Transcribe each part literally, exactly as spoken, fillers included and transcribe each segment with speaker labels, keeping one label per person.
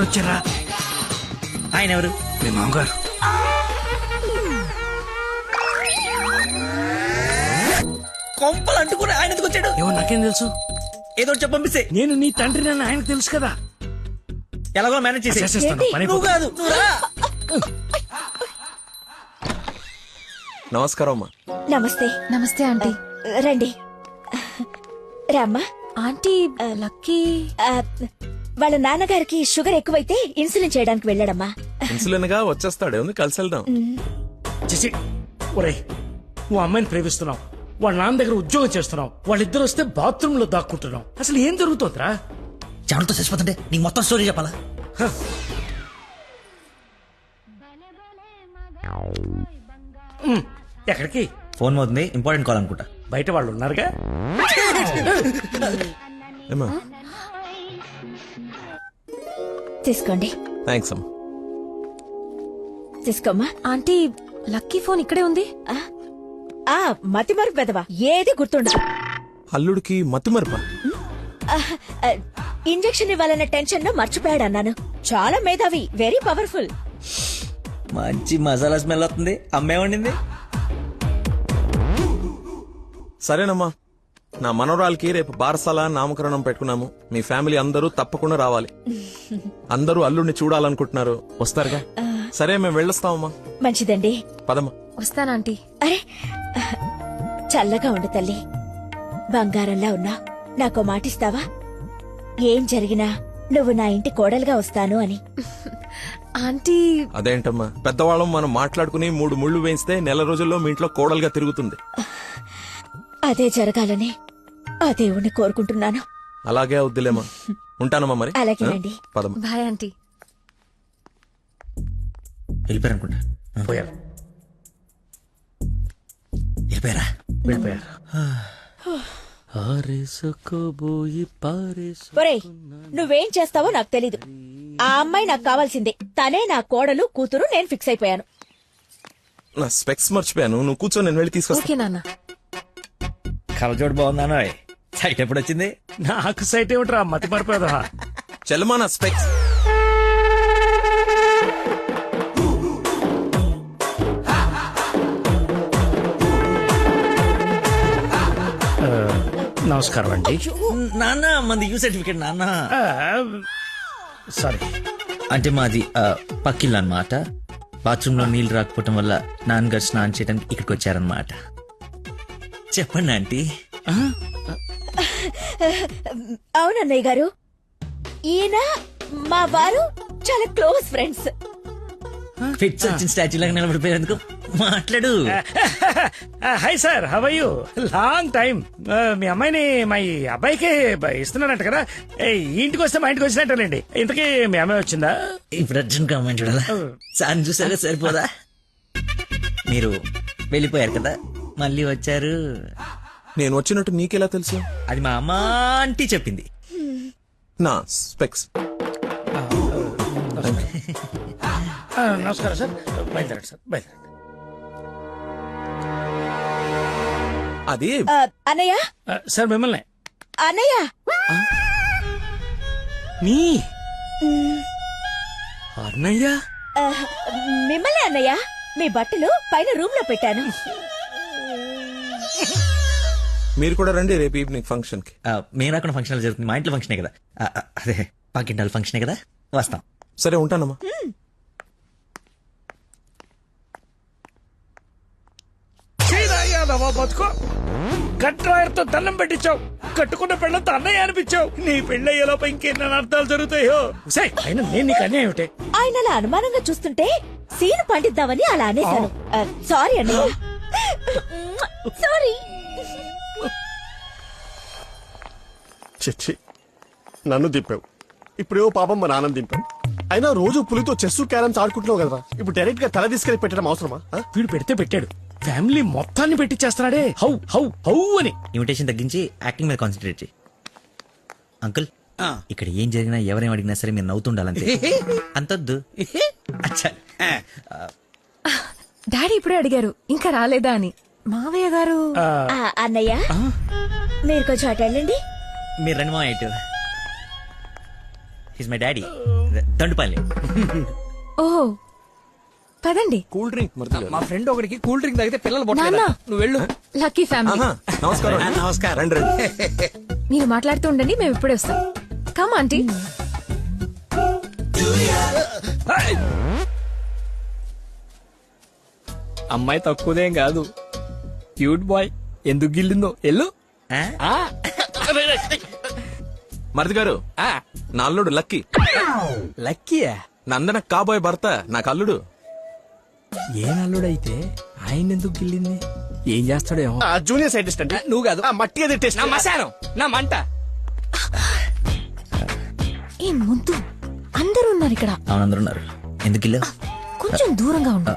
Speaker 1: ఎవరు వచ్చారా?
Speaker 2: ఆయన ఎవరు?
Speaker 1: మీ మామగారు.
Speaker 2: కొంపలు అంటుకుని ఆయన ఎందుకు వచ్చాడు?
Speaker 1: ఏమో నాకేం తెలుసు.
Speaker 2: ఏదో చెప్పి పంపిస్తే
Speaker 1: నేను నీ తండ్రి నన్ను ఆయనకు తెలుసు కదా.
Speaker 2: ఎలాగో మేనేజ్ చేసి
Speaker 1: చేసేస్తాను, పని
Speaker 2: నువ్వు కాదు నువ్వు రా.
Speaker 3: నమస్కారం అమ్మా.
Speaker 4: నమస్తే.
Speaker 5: నమస్తే ఆంటీ.
Speaker 4: రండి రామ్మా.
Speaker 5: ఆంటీ లక్కీ
Speaker 4: ఆ, వాళ్ళ నాన్నగారికి షుగర్ ఎక్కువైతే ఇన్సులిన్ చేయడానికి వెళ్ళాడమ్మా.
Speaker 3: ఇన్సులిన్ గా వచ్చేస్తాడు, ఉంది కలిసి వెళ్దాం.
Speaker 1: చేసి ఒరేయ్, నువ్వు అమ్మాయిని ప్రేమిస్తున్నావు, వాళ్ళ నాన్న దగ్గర ఉద్యోగం చేస్తున్నావు, వాళ్ళిద్దరు వస్తే బాత్రూమ్ లో దాక్కుంటున్నావు. అసలు ఏం జరుగుతుందిరా?
Speaker 2: చెమటతో చచ్చిపోతుంటే నీకు మొత్తం స్టోరీ చెప్పాలా?
Speaker 1: ఉమ్, ఎక్కడికి?
Speaker 2: ఫోన్ అవుతుంది, ఇంపార్టెంట్ కాల్ అనుకుంటా.
Speaker 1: బయట వాళ్ళు ఉన్నారుగా.
Speaker 3: ఏమా?
Speaker 4: తీసుకోండి.
Speaker 3: థ్యాంక్స్ అమ్మా.
Speaker 4: తీసుకోమ్మా.
Speaker 5: ఆంటీ లక్కీ ఫోన్ ఇక్కడే ఉంది.
Speaker 4: ఆ, ఆ మతి మరుపు పెదవా, ఏది గుర్తుండదు.
Speaker 3: అల్లుడికి మత్తు మరపా?
Speaker 4: ఆ, ఆ, ఇంజెక్షన్ ఇవ్వాలన్న టెన్షన్ లో మర్చిపోయాడు అన్నాను. చాలా మేధావి, వెరీ పవర్ఫుల్.
Speaker 2: మంచి మసాలా స్మెల్ వస్తుంది. అమ్మే వండింది.
Speaker 3: సరేనమ్మా, నా మనవరాలకి రేపు బారసాల నామకరణం పెట్టుకున్నాము. మీ ఫ్యామిలీ అందరూ తప్పకుండా రావాలి. అందరూ అల్లుడిని చూడాలనుకుంటున్నారు, వస్తారుగా? సరే, మేము వెళ్ళొస్తామమ్మా.
Speaker 4: మంచిదండి.
Speaker 3: పదమ్మా.
Speaker 5: వస్తానంటీ.
Speaker 4: అరే చల్లగా ఉండు తల్లి, బంగారంలా ఉన్నా. నాకో మాటిస్తావా? ఏం జరిగినా నువ్వు నా ఇంటి కోడలుగా వస్తాను అని.
Speaker 5: ఆంటీ
Speaker 3: అదేంటమ్మా, పెద్దవాళ్ళం మనం మాట్లాడుకుని మూడు ముళ్ళు వేయిస్తే నెల రోజుల్లో మీ ఇంట్లో కోడలుగా తిరుగుతుంది.
Speaker 4: అదే జరగాలని ఆ దేవుణ్ణి కోరుకుంటున్నాను.
Speaker 3: అలాగే అవుద్దిలేమా. ఉంటానమ్మా మరి.
Speaker 4: అలాగేనండి.
Speaker 3: పదమ్మా.
Speaker 5: Bye aunty.
Speaker 2: వెళ్ళిపోయారనుకుంటా.
Speaker 1: పోయారు
Speaker 2: వెళ్ళిపోయారా?
Speaker 1: వెళ్ళిపోయారు.
Speaker 4: ఒరేయ్, నువ్వేం చేస్తావో నాకు తెలీదు. ఆ అమ్మాయి నాకు కావాల్సిందే. తనే నా కోడలు, కూతురు. నేను ఫిక్స్ అయిపోయాను.
Speaker 3: నా స్పెక్స్ మర్చిపోయాను, నువ్వు కూర్చో, నేను వెళ్ళి తీసుకొస్తా.
Speaker 5: ఓకే నాన్న.
Speaker 2: కలజోడు బాగుందానో. సైట్ ఎప్పుడు వచ్చింది?
Speaker 1: నాకు సైట్ ఏమిట్రా, మతి మరిపోదా.
Speaker 3: చెల్లమా నా స్పెక్స్.
Speaker 1: నమస్కారం అండి.
Speaker 2: నాన్న మంది యూ సర్టిఫికేట్ నాన్న.
Speaker 1: సారీ.
Speaker 2: అంటే మాది పక్కిల్లు అన్నమాట. బాత్రూమ్ లో నీళ్లు రాకపోవటం వల్ల నాన్నగారు స్నానం చేయడానికి ఇక్కడికి వచ్చారనమాట. చెప్పండి ఆంటీ.
Speaker 4: అవునన్నయ్య గారు, ఈయన మా వారు చాలా క్లోజ్ ఫ్రెండ్స్.
Speaker 2: ఫిట్స్ వచ్చిన స్టాచ్యూ లాగా నిలబడిపోయేందుకు మాట్లాడు.
Speaker 1: Hi sir, how are you? Long time. మీ అమ్మాయిని మా ఈ అబ్బాయికి ఇస్తున్నానంట కదా. ఈ ఇంటికి వస్తే మా ఇంటికి వచ్చినట్టేనండి. ఇంతకీ మీ అమ్మాయి వచ్చిందా?
Speaker 2: ఇప్పుడు అర్జున్ కామెంట్ చూడాలా? సార్ చూసారా, సరిపోదా? మీరు వెళ్ళిపోయారు కదా, మళ్ళీ వచ్చారు.
Speaker 3: నేను వచ్చినట్టు నీకెలా తెలుసు?
Speaker 2: అది మా అమ్మ ఆంటీ చెప్పింది.
Speaker 3: నా స్పెక్స్.
Speaker 1: నమస్కారం సార్, బయలుదేరండి సార్, బయలుదేరండి.
Speaker 3: అది
Speaker 4: ఆ, అన్నయ్య
Speaker 1: సార్ మిమ్మల్ని.
Speaker 4: అన్నయ్య
Speaker 1: మీ అన్నయ్య?
Speaker 4: ఆ, మిమ్మల్ని అన్నయ్య. మీ బట్టలు పైన రూమ్ లో పెట్టాను.
Speaker 3: మీరు కూడా రండి రేపు ఈవినింగ్ ఫంక్షన్ కి.
Speaker 2: మేము రాకుండా ఫంక్షన్ జరుగుతుంది. మా ఇంట్లో ఫంక్షనే కదా. ఆ, ఆ, అదే పాకింటాల ఫంక్షనే కదా, వస్తాం.
Speaker 3: సరే, ఉంటానమ్మా.
Speaker 1: బతుకో కట్రాయర్తో దండం పెట్టించావు, కట్టుకున్న పెళ్ళంతో అన్నయ్య అనిపించావు. నీ పెళ్ళయ్యేలోపు ఇంకెన్న అర్థాలు జరుగుతాయో. సై అయినా నేను నీకు అన్యాయం ఏమిటే?
Speaker 4: ఆయన అలా అనుమానంగా చూస్తుంటే సీను పండిద్దామని అలా అనేశాను. ఆ, సారీ అన్నయ్య, సారీ.
Speaker 6: చిచ్చి, నన్ను దింపావు. ఇప్పుడేవో పాపం మా నాన్న దింపావు. అయినా రోజు పులితో చెస్ క్యారమ్స్ ఆడుకుంటున్నావు కదా, ఇప్పుడు డైరెక్ట్ గా తల తీసుకెళ్లి పెట్టడం అవసరమా? ఆ?
Speaker 1: వీడు పెడితే పెట్టాడు, ఫ్యామిలీ మొత్తాన్ని పెట్టి చేస్తున్నాడే. హౌ హౌ హౌ అని.
Speaker 2: ఇన్విటేషన్ తగ్గించి యాక్టింగ్ మీద కాన్సన్ట్రేట్ చేయి. అంకుల్, ఇక్కడ ఏం జరిగినా ఎవరేం అడిగినా సరే మీరు నవ్వుతుండాలంతే. అంతొద్దు. అచ్చా.
Speaker 5: డాడీ ఇప్పుడే అడిగారు ఇంకా రాలేదా అని. మావయ్య గారు.
Speaker 4: ఆ, అన్నయ్య మీరు కొంచెం అటు వెళ్ళండి.
Speaker 2: మీరు రండి మా ఇటు. He's my daddy. దండుపాలి.
Speaker 5: ఓహో పదండి.
Speaker 3: కూల్ డ్రింక్ మరిది గారు.
Speaker 7: మా ఫ్రెండ్ ఒకడికి కూల్ డ్రింక్ తాగితే పిల్లలు పుట్టలేదా?
Speaker 5: నాన్న.
Speaker 7: నువ్వు వెళ్ళు.
Speaker 5: Lucky family.
Speaker 3: ఆహా, నమస్కారం అండి.
Speaker 8: నమస్కారం.
Speaker 3: రండి రండి.
Speaker 5: మీరు మాట్లాడుతూ ఉండండి, మేము ఇప్పుడే వస్తాం. Come aunty.
Speaker 7: అమ్మాయి తక్కువదేం కాదు, క్యూట్ బాయ్. ఎందుకు గిల్లిందో ఎల్లు.
Speaker 2: ఆ?
Speaker 7: ఆ,
Speaker 3: మరిది గారు,
Speaker 7: ఆ,
Speaker 3: నా అల్లుడు లక్కీ.
Speaker 7: లక్కీయా?
Speaker 3: నందన కాబోయే భర్త నాకు అల్లుడు.
Speaker 7: ఏ నల్లుడైతే ఆయన ఎందుకు గిల్లింది? ఏం చేస్తాడేమో.
Speaker 6: జూనియర్ సైంటిస్ట్ అండి.
Speaker 7: నువ్వు కాదు,
Speaker 6: ఆ, మట్టి అది టెస్ట్.
Speaker 7: నా మశానం, నా మంట.
Speaker 5: ఏ ముద్దు, అందరూ ఉన్నారు ఇక్కడ.
Speaker 2: అవునందరూ ఉన్నారు. ఎందుకు ఇల్లు
Speaker 5: కొంచెం దూరంగా ఉండు.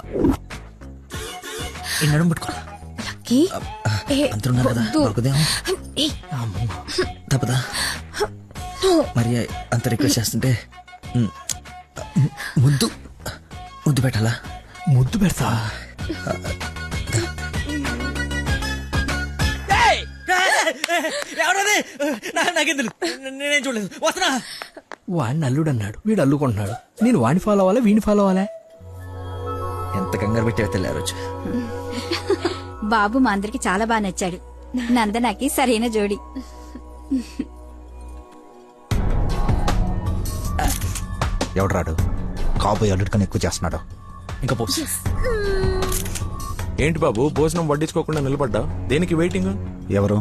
Speaker 2: ఈ నడుము పట్టుకో.
Speaker 5: లక్కీ. ఏ,
Speaker 2: అందరూ ఉన్నారు కదా,
Speaker 5: వద్దు.
Speaker 2: దొరకదేమో.
Speaker 5: ఏ,
Speaker 2: తప్పదా?
Speaker 5: నువ్వు.
Speaker 2: మరి అంత రిక్వెస్ట్ చేస్తుంటే మ్, ముద్దు ముద్దు పెట్టాలా?
Speaker 7: ముద్దు పెడతా.
Speaker 2: నేనేం చూడలేదు. వస్తున్నా.
Speaker 7: వాడిని అల్లుడు అన్నాడు, వీడు అల్లుకుంటున్నాడు. నేను వాడిని ఫాలో అవ్వాలా, వీడిని ఫాలో అవ్వాలా?
Speaker 2: ఎంత కంగారు పెట్టి తెల్లారు రోజు.
Speaker 9: బాబు మా అందరికి చాలా బాగా నచ్చాడు. నందనకి సరైన జోడి.
Speaker 8: ఎవడ్రాడు కాబోయే అల్లుడు కన్నా ఎక్కువ చేస్తున్నాడు.
Speaker 2: ఇంకా పోస్.
Speaker 3: ఏంటి బాబు భోజనం వడ్డించుకోకుండా నిలబడ్డా? దేనికి వెయిటింగ్?
Speaker 8: ఎవరు?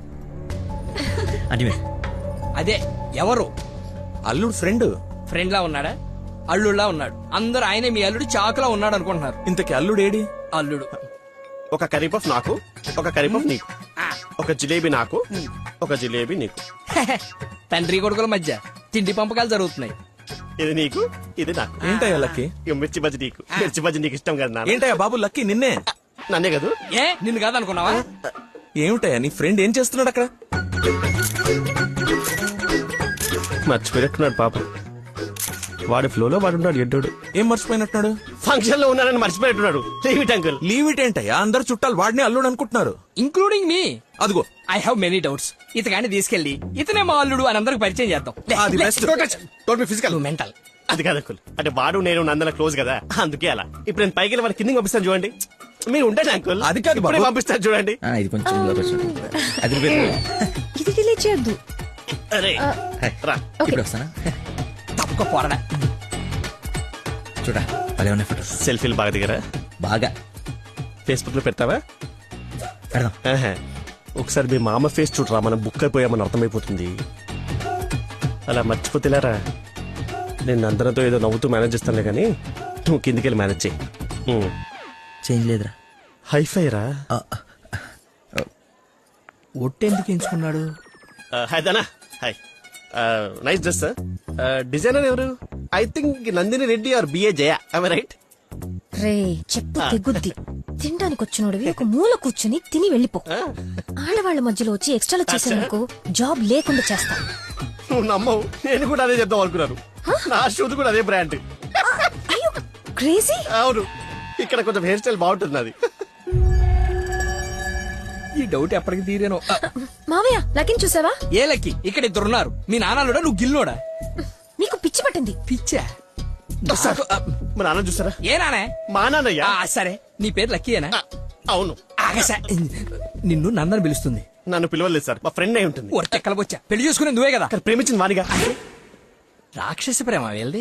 Speaker 2: అంటే మీరు
Speaker 7: అదే ఎవరు?
Speaker 3: అల్లుడు ఫ్రెండ్.
Speaker 7: ఫ్రెండ్ లా ఉన్నాడా? అల్లుడులా ఉన్నాడు. అందరూ ఆయనే మీ అల్లుడు చాకులా ఉన్నాడు అనుకుంటున్నారు.
Speaker 3: ఇంతకి అల్లుడు ఏడి?
Speaker 7: అల్లుడు
Speaker 6: ఒక కర్రీ పఫ్ నాకు, ఒక కర్రీ పఫ్ నీకు, ఒక జిలేబీ నాకు, ఒక జిలేబీ నీకు.
Speaker 7: తండ్రి కొడుకుల మధ్య తిండి పంపకాలు జరుగుతున్నాయి.
Speaker 6: ఇది నీకు, ఇది నాకు.
Speaker 3: ఏంటయ్యా లక్కీ?
Speaker 6: ఇక మిర్చి బజ్జి నీకు, మిర్చి బజ్జి నీకు ఇష్టం కదా నాన్న.
Speaker 3: ఏంటయ్యా బాబు లక్కీ నిన్నే?
Speaker 6: నన్నే కదా.
Speaker 7: ఏ నిన్ను కాదనుకున్నావా?
Speaker 3: ఏమిటయ్యా నీ ఫ్రెండ్ ఏం చేస్తున్నాడు అక్కడ?
Speaker 6: మర్చిపోయినట్టున్నాడు పాప. వాడి ఫ్లోలో వాడు ఉన్నాడు ఎడ్డోడు.
Speaker 3: ఏం మర్చిపోయినట్టున్నాడు?
Speaker 6: ఫంక్షన్ లో ఉన్నానని మర్చిపోయినట్టున్నాడు. Leave it uncle.
Speaker 3: Leave it ఏంటయ్యా? అందరు చుట్టాలు వాడిని అల్లుడు అనుకుంటున్నారు.
Speaker 7: Including me.
Speaker 3: అదిగో
Speaker 7: ఐ హావ్ మెనీ డౌట్స్. ఇతగాని తీసుకెళ్లి ఇతనే మా అల్లుడు అని అందరికి పరిచయం చేద్దాం.
Speaker 3: అది best.
Speaker 6: ఫిజికల్
Speaker 7: నువ్వు మెంటల్.
Speaker 6: అది కాదు అంకుల్. అంటే వాడు నేను నందన క్లోజ్ కదా, అందుకే అలా. ఇప్పుడు నేను పైకి వెళ్ళి వాడి కిందకి పంపిస్తాను చూడండి. మీరు ఉండండి అంకుల్.
Speaker 3: అది కాదు
Speaker 6: ఇప్పుడే
Speaker 3: బాబు.
Speaker 6: పంపిస్తాను చూడండి.
Speaker 2: ఆ, ఇది కొంచెం లోకి వచ్చినట్టు. అది రిపేర్.
Speaker 5: ఇది డిలీట్ చేయొద్దు.
Speaker 6: అరే
Speaker 2: హాయ్.
Speaker 6: రా.
Speaker 2: ఇప్పుడు వస్తానా?
Speaker 7: తప్పక పోరడా.
Speaker 2: చూడా అదే ఉన్నాయి ఫోటోస్.
Speaker 6: సెల్ఫీలు బాగా దిగరా?
Speaker 2: బాగా
Speaker 6: ఫేస్బుక్ లో పెడతావా?
Speaker 2: పెడదాం.
Speaker 6: ఆహా. ఒకసారి మీ మామ ఫేస్ చూడరా, మనం బుక్ అయిపోయామని అర్థమైపోతుంది. అలా మర్చిపోతేలారా. నేను అందరితో ఏదో నవ్వుతూ మేనేజ్ చేస్తానులే కానీ నువ్వు కిందికి వెళ్ళి మేనేజ్ చేయి. ఉమ్.
Speaker 2: చేంజ్ లేదురా.
Speaker 6: హైఫై రా.
Speaker 2: ఆ,
Speaker 7: ఒట్టెందుకు ఎంచుకున్నాడు?
Speaker 6: ఆ, హాయ్ దానా. హాయ్. ఆ, నైస్ డ్రెస్ సార్. ఆ, డిజైనర్ ఎవరు? ఐ థింక్ నందిని రెడ్డి ఆర్ బిఏ జయ. I right?
Speaker 5: రే చెప్పు తెగుద్ది. తినడానికి వచ్చినోడివి ఒక మూల కూర్చుని తిని వెళ్ళిపో. ఆడవాళ్ల మధ్యలో వచ్చి ఎక్స్ట్రాలు చేసేందుకు జాబ్ లేకుండా చేస్తా.
Speaker 6: నువ్వు నమ్మవు, నేను కూడా అదే చెప్దాం అనుకున్నాను. నా షూది కూడా అదే బ్రాండ్.
Speaker 5: అయ్యో క్రేజీ.
Speaker 6: అవును, ఇక్కడ కొంచెం హెయిర్ స్టైల్ బాగుంటుంది అది.
Speaker 7: ఈ డౌట్ ఎప్పటికి తీరేనో.
Speaker 5: మావయ్య లకిన్ చూసావా?
Speaker 7: ఏ లక్కి? ఇక్కడ ఇద్దరున్నారు. మీ నాన్నలోడా నువ్వు గిల్లోడా?
Speaker 5: నీకు పిచ్చి పట్టింది.
Speaker 7: పిచ్చా?
Speaker 6: సార్, మా నాన్న చూసారా?
Speaker 7: ఏ నానే?
Speaker 6: మా నాన్నయ్య.
Speaker 7: ఆ, సరే నీ పేరు లక్కీయేనా?
Speaker 6: ఆ, అవును.
Speaker 7: ఆగసా నిన్ను నందని పిలుస్తుంది.
Speaker 6: నన్ను పిలవలేదు సార్, మా ఫ్రెండ్ అయి ఉంటుంది.
Speaker 7: ఒట్టెక్కల వచ్చా పెళ్లి చేసుకునే నువ్వే కదా.
Speaker 6: కానీ ప్రేమించింది వానిగా.
Speaker 7: రాక్షస ప్రేమ వెళ్ళది.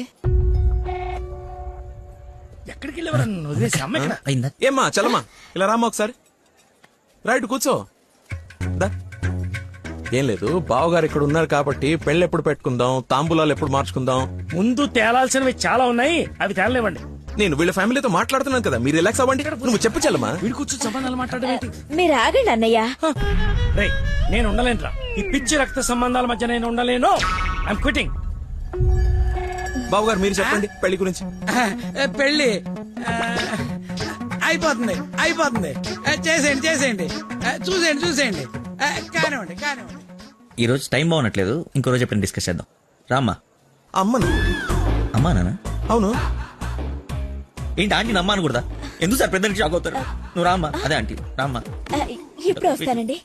Speaker 1: ఎక్కడికి వెళ్ళేవారు వదిలేసి అమ్మ ఇక్కడ.
Speaker 2: అయిందా?
Speaker 3: ఏమ్మా చలమా ఇలా రామ్మా ఒకసారి. రైట్ కూర్చో. దా. ఏం లేదు, బావగారు ఇక్కడ ఉన్నారు కాబట్టి పెళ్ళి ఎప్పుడు పెట్టుకుందాం, తాంబూలాలు ఎప్పుడు మార్చుకుందాం.
Speaker 1: ముందు తేలాల్సినవి చాలా ఉన్నాయి, అవి తేలనివ్వండి.
Speaker 3: నేను వీళ్ళ ఫ్యామిలీతో మాట్లాడుతున్నాను కదా, మీరు రిలాక్స్ అవ్వండి. నువ్వు చెప్పు చలమా.
Speaker 1: వీడి కూర్చొని సంబంధాలు మాట్లాడడం ఏంటి?
Speaker 4: మీరు ఆగండి అన్నయ్య.
Speaker 1: రేయ్, నేను ఉండలేనురా. ఈ పిచ్చి రక్త సంబంధాల మధ్య నేను ఉండలేను. I'm quitting.
Speaker 3: బావగారు మీరు చెప్పండి పెళ్లి గురించి.
Speaker 10: పెళ్లి ఆ, అయిపోతుంది అయిపోతుంది ఆ, చేసేయండి చేసేయండి ఆ, చూసేయండి చూసేయండి ఆ, కానివ్వండి కానివ్వండి.
Speaker 2: ఈ రోజు టైం బాగున్నట్లేదు, ఇంకో రోజు ఎప్పుడైనా డిస్కస్ చేద్దాం. రామ్మా.
Speaker 3: అమ్మను.
Speaker 2: అమ్మా నాన్న.
Speaker 3: అవును.
Speaker 2: ఏంటి ఆంటీ నమ్మా అనకూడదా? ఎందుకు సార్ పెద్ద షాక్ అవుతారు? నువ్వు రామ్మా. అదే ఆంటీ రామ్మా.
Speaker 4: ఆ, ఇప్పుడు వస్తానండి.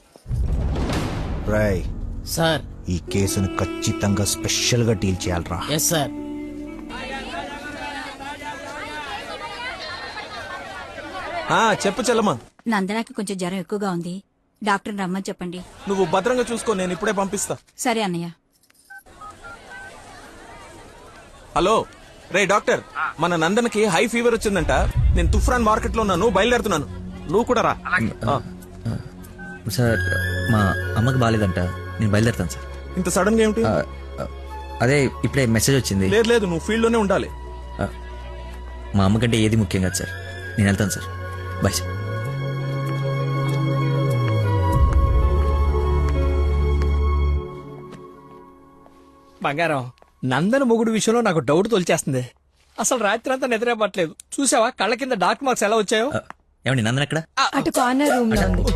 Speaker 8: రాయ్
Speaker 10: సార్
Speaker 8: ఈ కేసును ఖచ్చితంగా స్పెషల్ గా డీల్ చేయాలరా.
Speaker 10: Yes sir.
Speaker 3: ఆ చెప్పు చెల్లమ్మా.
Speaker 9: నందనాకి కొంచెం జ్వరం ఎక్కువగా ఉంది, డాక్టర్ రమ్మని చెప్పండి.
Speaker 3: నువ్వు భద్రంగా చూసుకో, నేను ఇప్పుడే పంపిస్తా.
Speaker 9: సరే అన్నయ్య.
Speaker 3: హలో రే డాక్టర్, మన నందనకి హై ఫీవర్ వచ్చిందంట. నేను తుఫ్రాన్ మార్కెట్ లో ఉన్నాను, బయలుదేరుతున్నాను. నువ్వు కూడా రా. ఆ,
Speaker 2: సార్ మా అమ్మకి బాగాలేదంట, నేను బయలుదేరుతాను సార్.
Speaker 3: ఇంత సడన్ గా ఏమిటి?
Speaker 2: ఆ, ఆ, అదే ఇప్పుడే మెసేజ్ వచ్చింది.
Speaker 3: లేదు లేదు, నువ్వు ఫీల్డ్ లోనే ఉండాలి.
Speaker 2: ఆ, మా అమ్మకంటే ఏది ముఖ్యం కాదు సార్, నేను వెళ్తాను సార్. Bye sir.
Speaker 7: బంగారం, నందన మొగుడు విషయంలో నాకు డౌట్ తోల్చేస్తుంది. అసలు రాత్రి అంతా నిద్రపట్లేదు. చూసావా కళ్ళ కింద డార్క్ మార్క్స్ ఎలా వచ్చాయో?
Speaker 2: ఆ, ఏమండి నందన ఎక్కడ?
Speaker 5: అటు కార్నర్ రూమ్ లో ఉంది.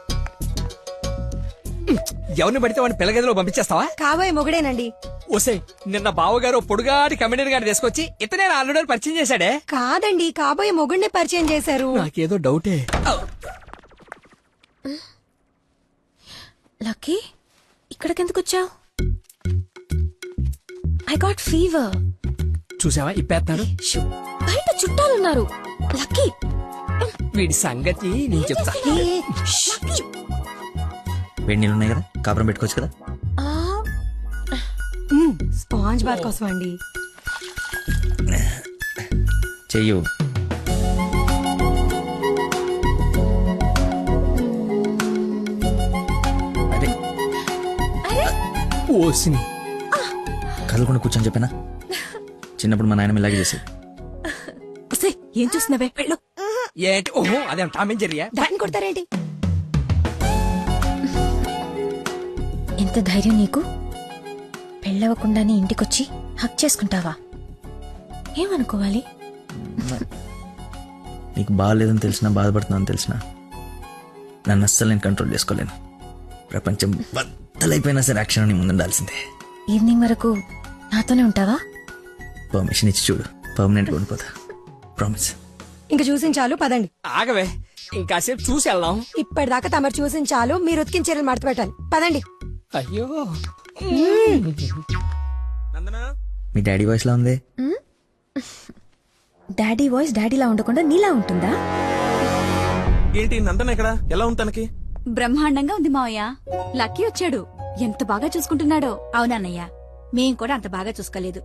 Speaker 7: ఎవరిని పడితే వాడిని పిల్లగదిలో పంపించేస్తావా?
Speaker 5: కాబోయే మొగుడేనండి.
Speaker 7: ఓసే, నిన్న బావగారు పొడుగాటి కమిడీని గారిని తీసుకొచ్చి ఇతనే ఆల్రెడీ పరిచయం చేశాడే.
Speaker 5: కాదండి, కాబోయే మొగుడిని పరిచయం చేశారు.
Speaker 7: నాకేదో డౌటే.
Speaker 5: లక్కీ, ఇక్కడికెందుకు వచ్చావు? I got fever.
Speaker 7: చూసావా ఇప్పేస్తాడు.
Speaker 5: బయట చుట్టాలున్నారు. లక్కీ,
Speaker 7: వీడి సంగతి నేను చెప్తా.
Speaker 2: వేడి నీళ్ళు ఉన్నాయి కదా, కాపురం పెట్టుకోవచ్చు కదా.
Speaker 5: స్పాంజ్ బాత్ కోసం అండి.
Speaker 2: చెయ్యు. అరే
Speaker 7: ఓసిని
Speaker 2: కదలకుండా కూర్చొని చెప్పానా? చిన్నప్పుడు మా నాయనమ్మ ఇలాగే చేసేది.
Speaker 5: ఏం చూస్తున్నావే? వెళ్ళు.
Speaker 7: ఏంటి? ఓహో, అదేం టామేం జరిగా?
Speaker 5: దాన్ని కొడతారేంటి? ఎంత ధైర్యం నీకు? పెళ్ళవకుండానే ఇంటికొచ్చి హక్ చేసుకుంటావా? ఏమనుకోవాలి?
Speaker 2: నీకు బాగాలేదని తెలిసినా, బాధపడుతున్నాను తెలిసినా, నన్ను అస్సలు నేను కంట్రోల్ చేసుకోలేను. ప్రపంచం బద్దలైపోయినా సరే అక్షరం నీ ముందు ఉండాల్సిందే.
Speaker 5: ఈవినింగ్ వరకు నాతోనే ఉంటావా?
Speaker 2: పర్మిషన్ ఇచ్చి చూడు, పర్మనెంట్గా ఉండిపోతా. ప్రామిస్.
Speaker 11: ఇంక చూసించాలు పదండి.
Speaker 7: ఆగవే, ఇంకాసేపు చూసి వెళ్దాం.
Speaker 11: ఇప్పటిదాకా తమరు చూసించాలు, మీరు ఉతికిన చీరలు మడత పెట్టాలి. పదండి.
Speaker 7: అయ్యో,
Speaker 3: నందనా,
Speaker 2: మీ డాడీ వాయిస్ లా ఉంది.
Speaker 5: డాడీ వాయిస్ డాడీలా ఉండకుండా నీలా ఉంటుందా?
Speaker 3: ఏంటి నందన ఎక్కడ? ఎలా ఉంది తనకి?
Speaker 9: బ్రహ్మాండంగా ఉంది మావయ్య. లక్కీ వచ్చాడు, ఎంత బాగా చూసుకుంటున్నాడో. అవునన్నయ్య, మేం కూడా అంత బాగా చూసుకోలేదు.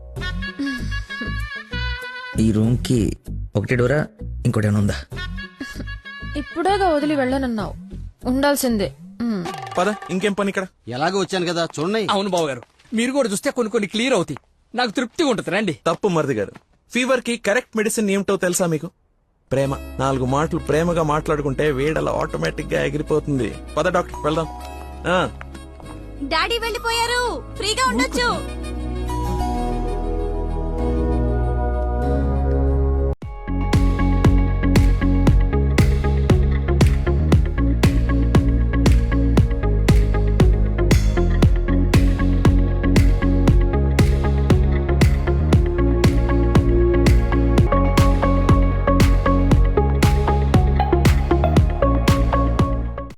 Speaker 2: ఈ రూమ్ కి ఒకటే డోరా, ఇంకోటి ఏమైనా ఉందా?
Speaker 5: ఇప్పుడేగా వదిలి వెళ్ళనన్నావు, ఉండాల్సిందే.
Speaker 3: పద, ఇంకేం పని ఇక్కడ?
Speaker 12: ఎలాగో వచ్చాను కదా చూడండి.
Speaker 7: అవును బాబు గారు, మీరు కూడా చూస్తే కొన్ని కొన్ని క్లియర్ అవుతాయి. నాకు తృప్తిగా ఉంటుంది. రండి.
Speaker 3: తప్పు మరిది గారు, ఫీవర్ కి కరెక్ట్ మెడిసిన్ ఏమిటో తెలుసా మీకు? ప్రేమ. నాలుగు మాటలు ప్రేమగా మాట్లాడుకుంటే వేడలా ఆటోమేటిక్ గా ఎగిరిపోతుంది. పద డాక్టర్ వెళ్దాం. ఆ
Speaker 9: డాడీ వెళ్ళిపోయారు, ఫ్రీగా ఉండొచ్చు.